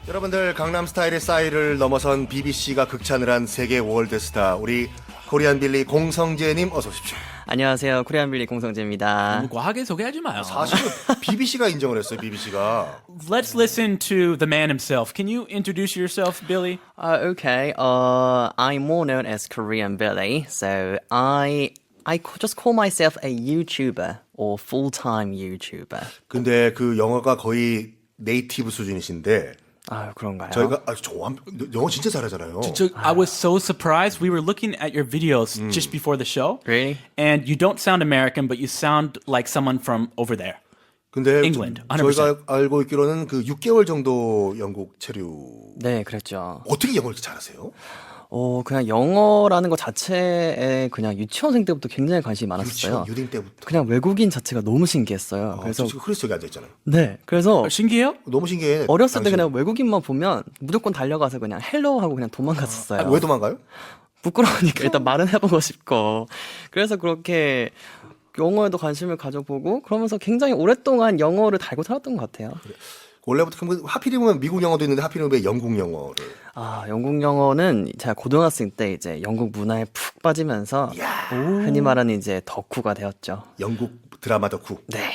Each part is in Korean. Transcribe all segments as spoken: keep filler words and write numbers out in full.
여러분들 강남 스타일의 싸이를 넘어선 비비씨가 극찬을 한 세계 월드스타 우리 코리안 빌리 공성재님 어서 오십시오. 안녕하세요. 코리안 빌리 공성재입니다. 너무 과하게 소개하지 마요. 사실은 비비씨가 인정을 했어요. 비비씨가. Let's listen to the man himself. Can you introduce yourself, Billy? Uh, okay. Uh, I'm more known as Korean Billy. So I I ca- just call myself a YouTuber or full-time YouTuber. 근데 그 영어가 거의 네이티브 수준이신데 아, 그런가요? 저희가 아, 저 영어 진짜 잘하잖아요. So I was so surprised. We were looking at your videos just before the show. Really? And you don't sound American, but you sound like someone from over there. 근데 England, 저- one hundred percent. 저희가 알고 있기로는 그 육 개월 정도 영국 체류. 네, 그랬죠. 어떻게 영어를 이렇게 잘하세요? 어, 그냥 영어라는 것 자체에 그냥 유치원생 때부터 굉장히 관심이 많았어요. 유치원 유딩 때부터. 그냥 외국인 자체가 너무 신기했어요. 아, 그래서 저 지금 크리스 여기 앉아 있잖아요. 네, 그래서 어, 신기해요? 너무 신기해. 어렸을 때 당신. 그냥 외국인만 보면 무조건 달려가서 그냥 헬로 하고 그냥 도망갔었어요. 아, 왜 도망가요? 부끄러우니까 일단 말은 해보고 싶고 그래서 그렇게 영어에도 관심을 가져보고 그러면서 굉장히 오랫동안 영어를 달고 살았던 것 같아요. 원래부터 그럼 하필이면 미국 영어도 있는데 하필이면 왜 영국 영어를? 아, 영국 영어는 제가 고등학생 때 이제 영국 문화에 푹 빠지면서 흔히 말하는 이제 덕후가 되었죠. 영국 드라마 덕후. 네.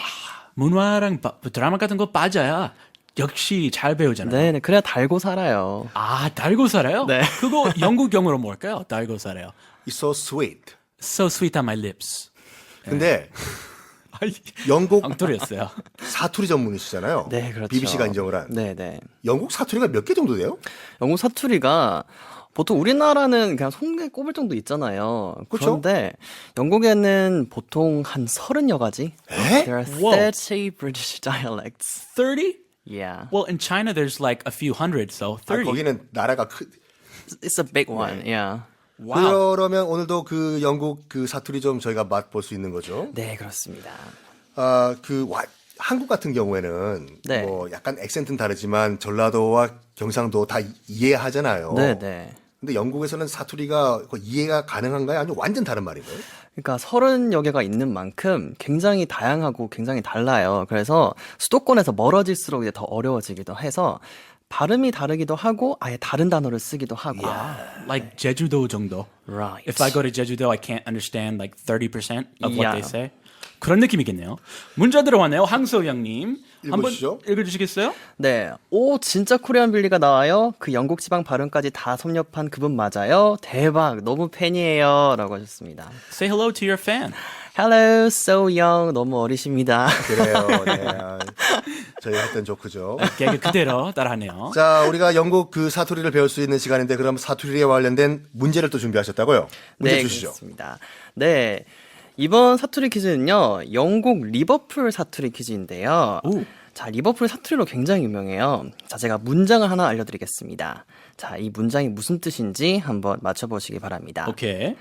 문화랑 바- 드라마 같은 거 빠져야 역시 잘 배우잖아요. 네, 네. 그래야 달고 살아요. 아, 달고 살아요? 네. 그거 영국 영어로 뭘까요? 달고 살아요. It's so sweet. So sweet on my lips. 근데 아이, 영국 엉터리였어요. 사투리 전문이시잖아요. 네, 그렇죠. 비비씨가 인정을 한. 네, 네. 영국 사투리가 몇 개 정도 돼요? 영국 사투리가 보통 우리나라는 그냥 손에 꼽을 정도 있잖아요. 그쵸? 그런데 영국에는 보통 한 서른여 가지. 에? There are Whoa. thirty British dialects. thirty? Yeah. Well, in China there's like a few hundred, so 아, thirty. 거기는 나라가 크. It's a big one. Yeah. Wow. 그러면 오늘도 그 영국 그 사투리 좀 저희가 맛볼 수 있는 거죠. 네, 그렇습니다. 아, 그 와, 한국 같은 경우에는 네. 뭐 약간 액센트는 다르지만 전라도와 경상도 다 이해하잖아요. 네, 네. 근데 영국에서는 사투리가 거의 이해가 가능한가요? 아니면 완전 다른 말인가요? 그러니까 서른여 개가 있는 만큼 굉장히 다양하고 굉장히 달라요. 그래서 수도권에서 멀어질수록 이제 더 어려워지기도 해서 발음이 다르기도 하고 아예 다른 단어를 쓰기도 하고. Like 제주도 정도. Right. If I go to Jeju-do, I can't understand like thirty percent of what Yeah. they say. 그런 느낌이겠네요. 문자 들어왔네요. 황소영님. 읽어주시죠. 한번 읽어주시겠어요? 네. 오, 진짜 코리안 빌리가 나와요? 그 영국 지방 발음까지 다 섭렵한 그분 맞아요? 대박. 너무 팬이에요. 라고 하셨습니다. Say hello to your fan. Hello, so young. 너무 어리십니다. 그래요. 네. 아, 저희가 했던 조크죠. 개그 그대로 따라하네요. 자, 우리가 영국 그 사투리를 배울 수 있는 시간인데 그럼 사투리에 관련된 문제를 또 준비하셨다고요? 문제 네, 주시죠. 그렇습니다. 네. 이번 사투리 퀴즈는요, 영국 리버풀 사투리 퀴즈인데요. 오. 자, 리버풀 사투리로 굉장히 유명해요. 자, 제가 문장을 하나 알려드리겠습니다. 자, 이 문장이 무슨 뜻인지 한번 맞춰보시기 바랍니다. 오케이.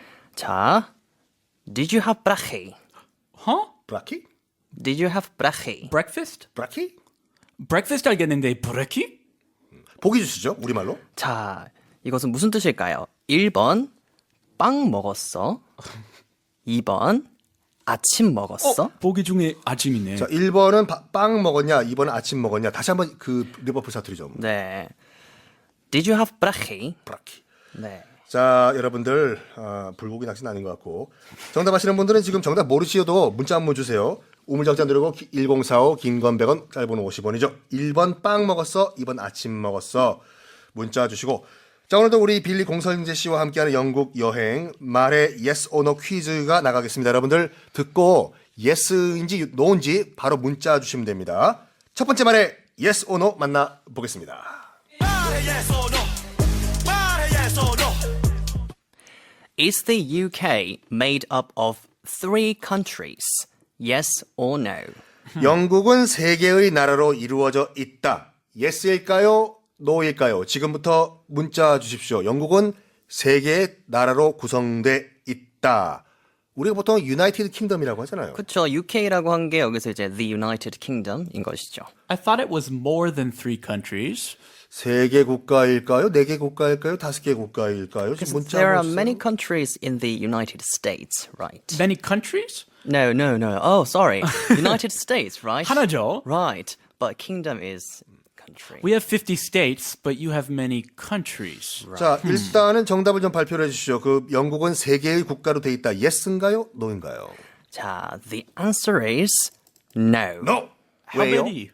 자, Did you have brache? Huh? 브라키? Did you have brache? Breakfast? 브라키? Breakfast 알겠는데 브레키? 보기 주시죠. 우리말로. 자, 이것은 무슨 뜻일까요? 일 번, 빵 먹었어. 이 번, 아침 먹었어. 어? 보기 중에 아침이네. 자, 일 번은 바- 빵 먹었냐? 이 번은 아침 먹었냐? 다시 한번 그 리버풀 사투리 좀. 네. Did you have brache? 브라키. 네. 자, 여러분들 아, 불고기 낚시는 아닌 것 같고 정답 아시는 분들은 지금 정답 모르시어도 문자 한번 주세요. 우물정자 누르고 일공사오 긴 건 백 원 짧은 오십 원이죠. 일 번 빵 먹었어. 이 번 아침 먹었어. 문자 주시고 자, 오늘도 우리 빌리 공선재 씨와 함께하는 영국 여행 말의 yes or no 퀴즈가 나가겠습니다. 여러분들 듣고 yes인지 no인지 바로 문자 주시면 됩니다. 첫 번째 말의 yes or no 만나보겠습니다. Is the U K made up of three countries? Yes or no? 영국은 세 개의 나라로 이루어져 있다. yes일까요? no일까요? 지금부터 문자 주십시오. 영국은 세 개의 나라로 구성돼 있다. 우리가 보통 유나이티드 킹덤이라고 하잖아요. 그쵸. 유케이라고 한 게 여기서 이제 The United Kingdom인 것이죠. I thought it was more than three countries. 세 개 국가일까요? 네 개 국가일까요? 다섯 개 국가일까요? 지금 문자 There are 보세요. many countries in the United States, right? Many countries? No, no, no. Oh, sorry. United States, right? 하나죠. Right. But kingdom is country. We have fifty states, but you have many countries. 자, 일단은 정답을 좀 발표를 해주시죠. 그 영국은 세 개의 국가로 돼 있다. Yes인가요? No인가요? 자, the answer is no. No. How 왜요? many?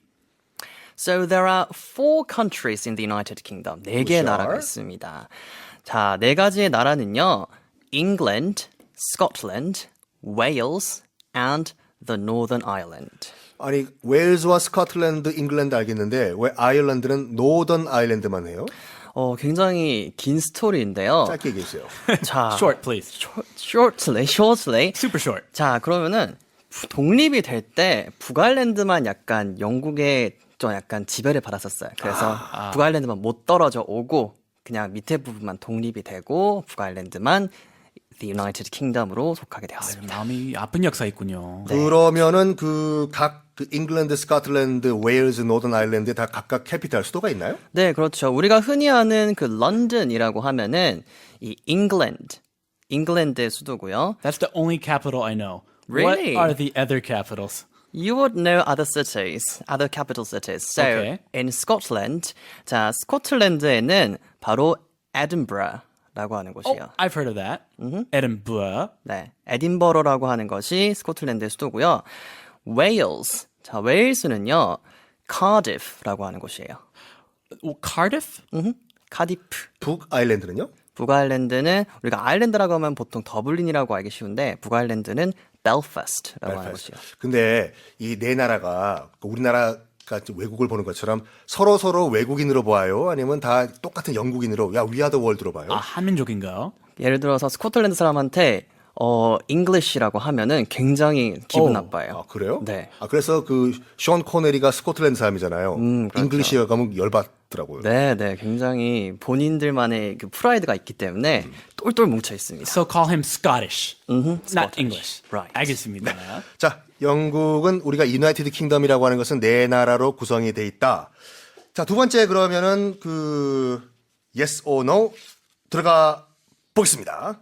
So there are four countries in the United Kingdom. 네 개의 Which 나라가 are? 있습니다. 자, 네 가지의 나라는요. England, Scotland, Wales, and the Northern Ireland. 아니 웨일즈와 스코틀랜드, 잉글랜드 알겠는데 왜 아일랜드는 노던 아일랜드만 해요? 어, 굉장히 긴 스토리인데요. 짧게 얘기해 주세요. 자, Short, please. shortly, shortly. Super short. 자, 그러면은 부- 독립이 될 때 북아일랜드만 약간 영국의 좀 약간 지배를 받았었어요. 그래서 북아일랜드만 못 떨어져 오고 그냥 밑에 부분만 독립이 되고 북아일랜드만 The United Kingdom으로 속하게 되었습니다. 마음이 아픈 역사 있군요. 그러면은 그 각 그 잉글랜드, 스코틀랜드, 웨일즈, 노던 아일랜드 다 각각 캐피탈 수도가 있나요? 네, 그렇죠. 우리가 흔히 아는 그 런던이라고 하면은 이 잉글랜드, 잉글랜드의 수도고요. That's the only capital I know. Really? What are the other capitals? You would know other cities, other capital cities. So Okay. in Scotland, 자 스코틀랜드에는 바로 에든버러라고 하는 Oh, 곳이에요. I've heard of that. Edinburgh. 네, 에딘버러라고 하는 것이 스코틀랜드의 수도고요. 웨일스, 자 웨일스는요 카디프라고 하는 곳이에요. Oh, Cardiff? 음, 카디프. 북 아일랜드는요? 북아일랜드는 우리가 아일랜드라고 하면 보통 더블린이라고 알기 쉬운데 북아일랜드는 벨파스트라고 하는 곳이에요. 근데 이 네 나라가 우리나라가 외국을 보는 것처럼 서로 서로 외국인으로 봐요? 아니면 다 똑같은 영국인으로 야 위아더 월드로 봐요? 아, 한민족인가요? 예를 들어서 스코틀랜드 사람한테 어 잉글리시라고 하면은 굉장히 기분 오, 나빠요. 아, 그래요? 네. 아 그래서 그 션 코네리가 스코틀랜드 사람이잖아요. 음, 그렇죠. 잉글리시에 가면 열받더라고요. 네, 네, 굉장히 본인들만의 그 프라이드가 있기 때문에 똘똘 뭉쳐 있습니다. So call him Scottish, not Scottish. English. Right. 알겠습니다. 자, 영국은 우리가 유나이티드 킹덤이라고 하는 것은 네 나라로 구성이 돼 있다. 자, 두 번째 그러면은 그 yes or no 들어가 보겠습니다.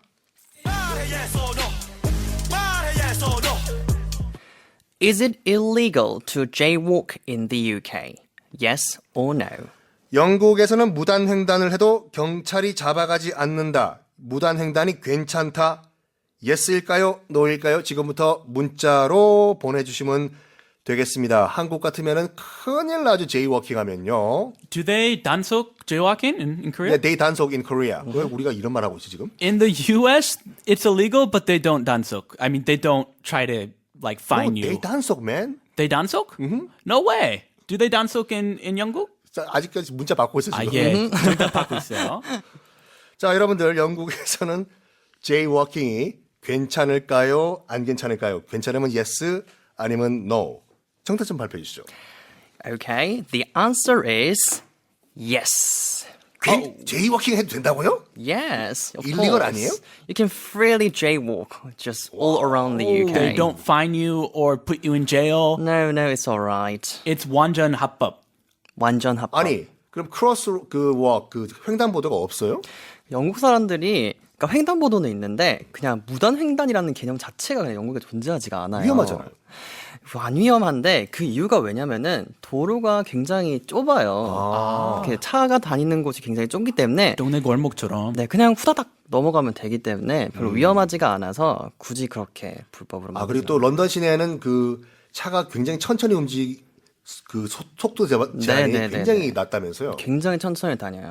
Is it illegal to jaywalk in the U K? Yes or no? 영국에서는 무단 횡단을 해도 경찰이 잡아가지 않는다. 무단 횡단이 괜찮다. yes일까요? no일까요? 지금부터 문자로 보내주시면 되겠습니다. 한국 같으면은 큰일 나죠. 제이워킹 하면요. Do they 단속 jaywalking in, in Korea? 네, 데이 단속 in Korea. 왜 우리가 이런 말 하고 있지 지금? In the U S, it's illegal, but they don't 단속. I mean, they don't try to like fine 오, you. 데이 단속, man. They 단속? No way. Do they 단속 in in 영국? 자, 아직까지 문자 받고 있어 아, 지금. 예. 정답 받고 있어요. 자, 여러분들 영국에서는 제이워킹이 괜찮을까요? 안 괜찮을까요? 괜찮으면 yes, 아니면 no. 정답 좀 발표해 주시죠. Okay, the answer is yes. 괜- 제이워킹 해도 된다고요? Yes, of illegal course. 아니에요? You can freely jaywalk just all around the U K. They don't fine you or put you in jail. No, no, it's all right. It's 완전 합법. 완전 합법. 아니, 그럼 크로스 그 워, 그 횡단보도가 없어요? 영국 사람들이 그러니까 횡단보도는 있는데 그냥 무단 횡단이라는 개념 자체가 그냥 영국에 존재하지가 않아요. 위험하잖아요. 안 위험한데 그 이유가 왜냐면은 도로가 굉장히 좁아요. 이렇게 차가 다니는 곳이 굉장히 좁기 때문에 동네 골목처럼. 네 그냥 후다닥 넘어가면 되기 때문에 별로 위험하지가 않아서 굳이 그렇게 불법으로 아, 만들지 그리고 또 런던 시내는 그 차가 굉장히 천천히 움직 그 소- 속도 제한- 제한이 네, 네, 네, 굉장히 네. 낮다면서요. 굉장히 천천히 다녀요.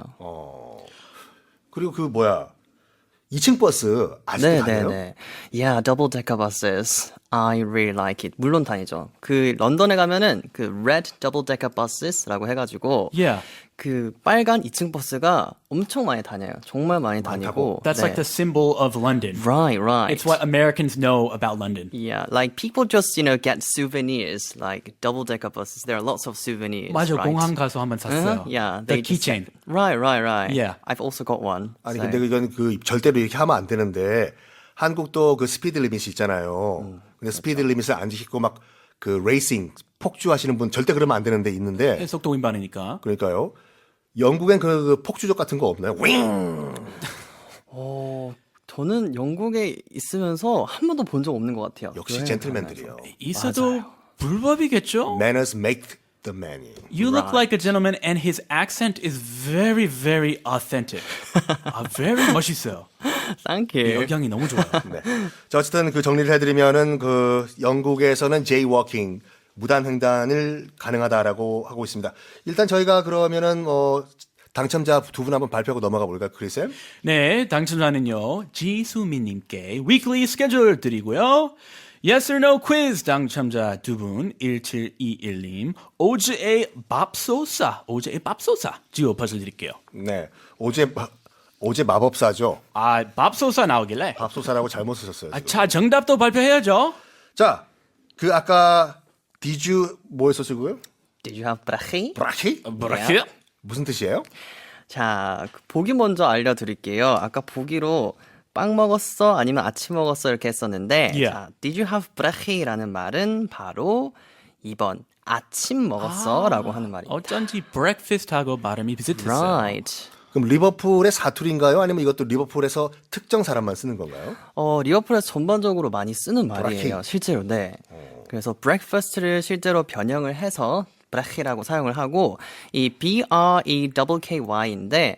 그리고 그 뭐야? 이 층 버스 아직도 다녀요? 네네네. Yeah, double decker buses. I really like it. 물론 다니죠. 그 런던에 가면은 그 red double decker buses라고 해가지고 Yeah. 그 빨간 이 층 버스가 엄청 많이 다녀요. 정말 많이 다니고. That's 네. like the symbol of London. Right, right. It's what Americans know about London. Yeah, like people just you know get souvenirs like double decker buses. There are lots of souvenirs. 맞아, right? 공항 가서 한번 샀어요. Uh-huh, yeah, The they just- keychain. Right, right, right. Yeah. I've also got one. 아니 so- 근데 이건 그 절대로 이렇게 하면 안 되는데 한국도 그 스피드 리밋이 있잖아요. 근데 스피드 리밋을 안 지키고 막 그 레이싱 폭주하시는 분 절대 그러면 안 되는데 있는데 속도 위반이니까. 그러니까요. 영국엔 그, 그 폭주족 같은 거 없나요? 윙! 어, 저는 영국에 있으면서 한 번도 본 적 없는 것 같아요. 역시 여행 젠틀맨들이요. 있어도 불법이겠죠? Manners make the Manning. You look like a gentleman, and his accent is very, very authentic. 아, very 멋있어요. Thank you. 역량이 너무 좋아요. 네. 자, 어쨌든 그 정리를 해드리면은 그 영국에서는 jaywalking 무단 횡단을 가능하다라고 하고 있습니다. 일단 저희가 그러면은 뭐 당첨자 두 분 한번 발표하고 넘어가 볼까요, 크리쌤? 네, 당첨자는요, 지수민님께 weekly schedule 드리고요. Yes or no quiz 당첨자 두 분, 일칠이일님, 오즈의 밥소사, 오즈의 밥소사 지오 퍼즐 드릴게요. 네. 어제 마- 어제 마법사죠. 아, 밥소사 나오길래. 밥소사라고 잘못 쓰셨어요. 아, 지금. 자, 정답도 발표해야죠. 자, 그 아까 Did you 뭐였었고요? Did you have brachi? 브라키? 뭐라고요? 무슨 뜻이에요? 자, 그 보기 먼저 알려드릴게요. 아까 보기로 빵 먹었어 아니면 아침 먹었어 이렇게 했었는데 Yeah. 자, Did you have brachi라는 말은 바로 이 번 아침 먹었어라고 하는 말입니다. 어쩐지 breakfast하고 발음이 비슷했어요. Right. 그럼 리버풀의 사투리인가요? 아니면 이것도 리버풀에서 특정 사람만 쓰는 건가요? 어, 리버풀에서 전반적으로 많이 쓰는 브라키. 말이에요. 실제로, 네. 그래서 breakfast를 실제로 변형을 해서 브라키라고 사용을 하고 이 B-R-E-K-K-Y인데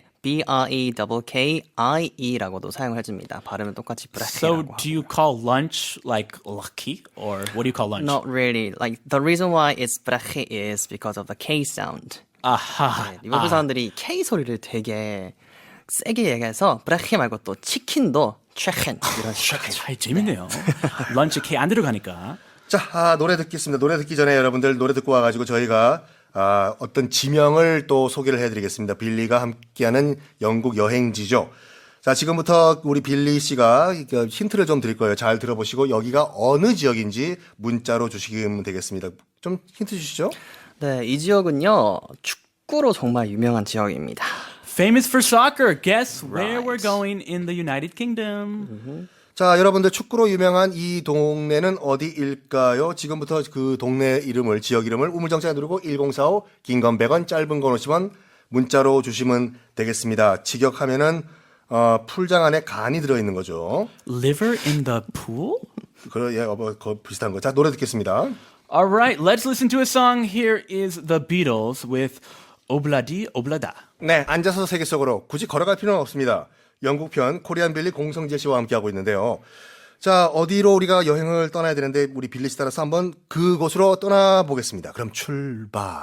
B-R-E-K-K-I-E라고도 사용을 해줍니다. 발음은 똑같이 So, 브라키라고 do you call lunch like lucky, or what do you call lunch? Not really. Like the reason why it's 브라키 is because of the K sound. 아하. 네, 리버풀 사람들이 K 소리를 되게 세게 얘기해서 브라키 말고 또 치킨도 치킨 이런 식으로. 아, 재밌네요. 런치 K 안 들어가니까. 자, 아, 노래 듣겠습니다. 노래 듣기 전에 여러분들 노래 듣고 와가지고 저희가 아, 어떤 지명을 또 소개를 해드리겠습니다. 빌리가 함께하는 영국 여행지죠. 자, 지금부터 우리 빌리 씨가 힌트를 좀 드릴 거예요. 잘 들어보시고 여기가 어느 지역인지 문자로 주시면 되겠습니다. 좀 힌트 주시죠. 네, 이 지역은요 축구로 정말 유명한 지역입니다. Famous for soccer. Guess where Right. we're going in the United Kingdom. 자, 여러분들 축구로 유명한 이 동네는 어디일까요? 지금부터 그 동네 이름을, 지역 이름을 우물정자 누르고 일공사오, 긴 건 백 원, 짧은 건 오십 원 문자로 주시면 되겠습니다. 직역하면은 어, 풀장 안에 간이 들어있는 거죠. Liver in the pool? 그러, 예, 어, 뭐, 거 비슷한 거. 자, 노래 듣겠습니다. All right, let's listen to a song. Here is the Beatles with Obladi Oblada. 네, 앉아서 세계 속으로 굳이 걸어갈 필요는 없습니다. 영국 편 코리안 빌리 공성재 씨와 함께하고 있는데요. 자, 어디로 우리가 여행을 떠나야 되는데 우리 빌리 씨 따라서 한번 그곳으로 떠나보겠습니다. 그럼 출발.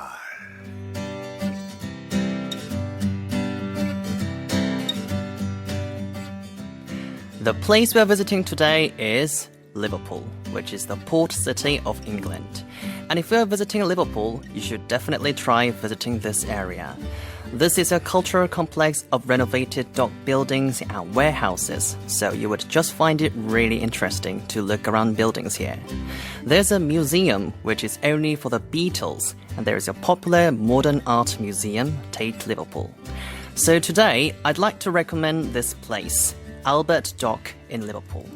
The place we're visiting today is Liverpool, which is the port city of England. And if you're visiting Liverpool, you should definitely try visiting this area. This is a cultural complex of renovated dock buildings and warehouses, so you would just find it really interesting to look around buildings here. There's a museum which is only for the Beatles, and there is a popular modern art museum, Tate Liverpool. So today, I'd like to recommend this place, Albert Dock in Liverpool.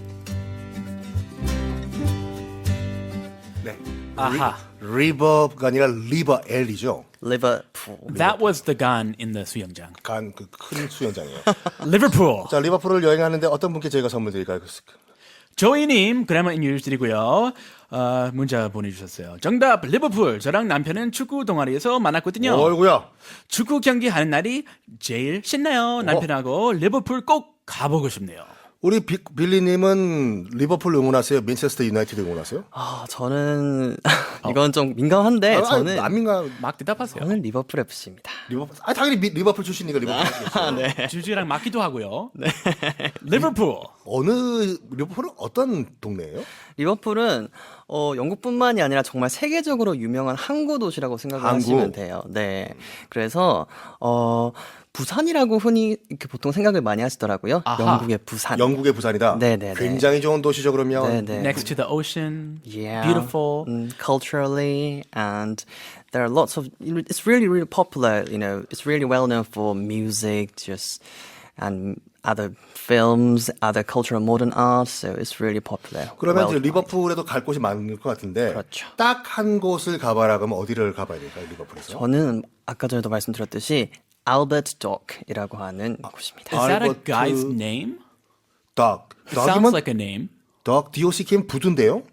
네. 아하. 리버가 아니라 리버 L이죠. Liverpool. That was the gun in the 수영장. 간 그 큰 수영장이에요. Liverpool. 자, 리버풀을 여행하는데 어떤 분께 저희가 선물 드릴까요? 조이님 그래머 뉴스 드리고요. 어, 문자 보내주셨어요. 정답 리버풀. 저랑 남편은 축구 동아리에서 만났거든요. 어이구야. 축구 경기 하는 날이 제일 신나요. 남편하고 리버풀 꼭 가보고 싶네요. 우리 비, 빌리님은 리버풀 응원하세요? 맨체스터 유나이티드 응원하세요? 아, 저는 이건 좀 민감한데 아, 저는 남인가 막 대답하세요. 저는 리버풀 에프씨입니다. 리버풀? 아, 당연히 미, 리버풀 출신이니까 리버풀 하시겠죠. 네. 주주랑 맞기도 하고요. 리버풀. 어느 리버풀은 어떤 동네예요? 리버풀은 어, 영국뿐만이 아니라 정말 세계적으로 유명한 항구 도시라고 생각을 항구. 하시면 돼요. 네. 그래서 어, 부산이라고 흔히 이렇게 보통 생각을 많이 하시더라고요. 아하. 영국의 부산. 영국의 부산이다. 네네네. 굉장히 좋은 도시죠 그러면. 네네. Next to the ocean. Yeah. Beautiful. Mm, culturally, and there are lots of. It's really, really popular. You know, it's really well known for music, just and other films, other cultural modern art. So it's really popular. 그러면 이제 worldwide. 리버풀에도 갈 곳이 많을 것 같은데 그렇죠. 딱 한 곳을 가봐라 그러면 어디를 가봐야 될까요 리버풀에서? 저는 아까 전에도 말씀드렸듯이 Albert Dock이라고 하는 곳입니다. Is that a 알버트- guy's name? 덕. It sounds 덕이면 like a name. 덕, 디오씨킴 부두인데요?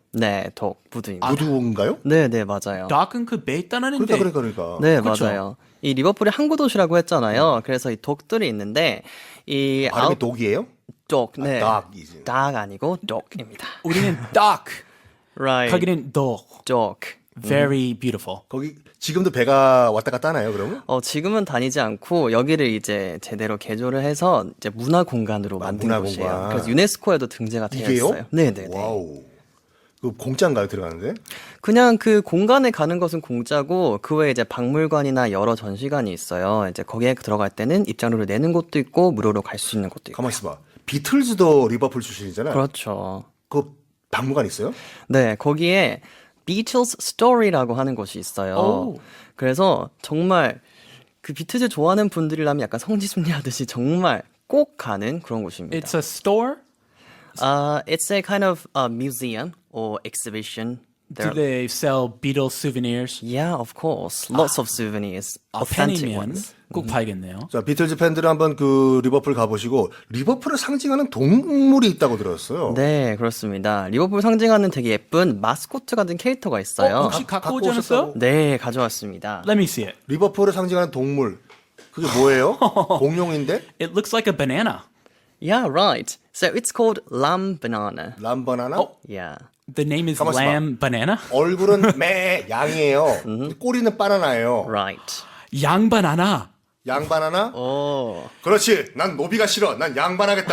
네, 독 무드입니다. 무두인가요? 네, 네, 맞아요. 덕은 그 배 있다는데. 그러니까 그러니까 그러니까. 네, 그쵸? 맞아요. 이 리버풀이 항구 도시라고 했잖아요. 그래서 이 독들이 있는데 이 발음이 아웃 독이에요? 독, 네, 닭이지. 닭 아니고 독입니다. 우리는 덕. Right. 거기는 덕. 독. Very beautiful. 거기 지금도 배가 왔다 갔다 하나요, 그러면? 어, 지금은 다니지 않고 여기를 이제 제대로 개조를 해서 이제 문화 공간으로 만든 문화 곳이에요. 공간. 그래서 유네스코에도 등재가 되어 이게요? 있어요. 네, 네, 네. 와우. 그 공짜인가요, 들어가는데? 그냥 그 공간에 가는 것은 공짜고 그 외에 이제 박물관이나 여러 전시관이 있어요. 이제 거기에 들어갈 때는 입장료를 내는 곳도 있고 무료로 갈 수 있는 곳도 있고. 가만 있어봐. 비틀즈도 리버풀 출신이잖아요. 그렇죠. 그 박물관 있어요? 네, 거기에 Beatles Story라고 하는 곳이 있어요. 오. 그래서 정말 그 비틀즈 좋아하는 분들이라면 약간 성지순례 하듯이 정말 꼭 가는 그런 곳입니다. It's a store. Uh, it's a kind of uh, museum or exhibition. Do There, they sell Beatles souvenirs? yeah, of course. Lots of souvenirs. 아, authentic 팬이면 ones. 꼭 봐야겠네요. 자, 비틀즈 팬들은 한번 그 리버풀 가보시고 리버풀을 상징하는 동물이 있다고 들었어요. 네, 그렇습니다. 리버풀 상징하는 되게 예쁜 마스코트 같은 캐릭터가 있어요. 어, 혹시 가- 갖고 갖고 오지 않았어요? 오셨다고? 네, 가져왔습니다. Let me see it. 리버풀을 상징하는 동물. 그게 뭐예요? 공룡인데? It looks like a banana. Yeah, right. So it's called lamb banana. 람바나나? 어? Yeah. The name is 가만있어 봐. lamb banana. 얼굴은 매 양이에요. 꼬리는 바나나예요. Right. 양 바나나. 양바나나? 오. 그렇지. 난 노비가 싫어. 난 양반하겠다.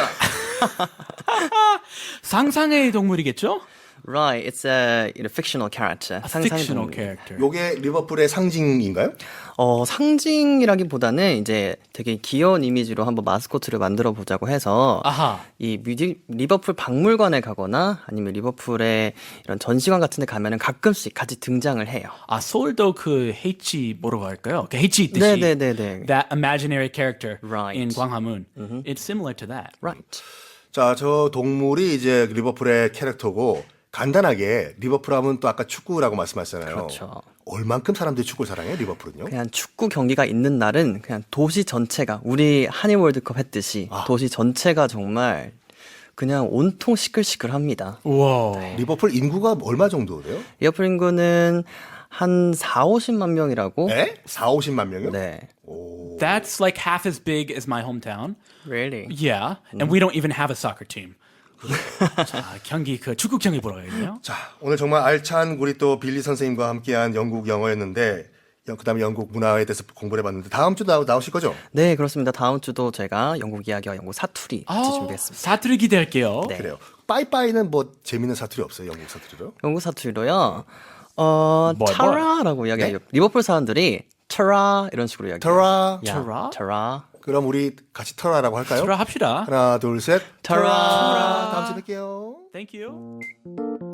상상의 동물이겠죠? Right. It's a you know, fictional character. A 상상의 fictional 동물. character. 요게 리버풀의 상징인가요? 어, 상징이라기보다는 이제 되게 귀여운 이미지로 한번 마스코트를 만들어 보자고 해서 아하. 이 뮤직 리버풀 박물관에 가거나 아니면 리버풀의 이런 전시관 같은 데 가면은 가끔씩 같이 등장을 해요. 아, 서울도 그 H 뭐라고 할까요? 그 H 있듯이. 네네네네. That imaginary character Right. in 광화문. It's similar to that. Right. 자, 저 동물이 이제 리버풀의 캐릭터고 간단하게 리버풀 하면 또 아까 축구라고 말씀하셨잖아요. 그렇죠. 얼만큼 사람들이 축구를 사랑해요, 리버풀은요? 그냥 축구 경기가 있는 날은 그냥 도시 전체가 우리 한일 월드컵 했듯이 아. 도시 전체가 정말 그냥 온통 시끌시끌합니다. 우와. 리버풀 인구가 얼마 정도 돼요? 리버풀 인구는 한 사오십만 명이라고. 에? 사오십만 명이요? 네. That's like half as big as my hometown. Really? Yeah. And we don't even have a soccer team. 자, 경기 그 축구 경기 보러 가야겠네요. 자, 오늘 정말 알찬 우리 또 빌리 선생님과 함께한 영국 영어였는데 그 다음에 영국 문화에 대해서 공부를 해봤는데 다음 주 나, 나오실 거죠? 네, 그렇습니다. 다음 주도 제가 영국 이야기와 영국 사투리 같이 준비했습니다. 사투리 기대할게요. 네. 그래요. 빠이빠이는 뭐 재밌는 사투리 없어요, 영국 사투리로? 영국 사투리로요. 어, 뭘, 타라라고 이야기해요. 리버풀 사람들이 타라 이런 식으로 이야기해요. 터라. 야, 타라? 타라. 그럼 우리 같이 터라라고 할까요? 들어 합시다. 하나, 둘, 셋. 타라. 터라. 다음 주에 뵐게요. Thank you.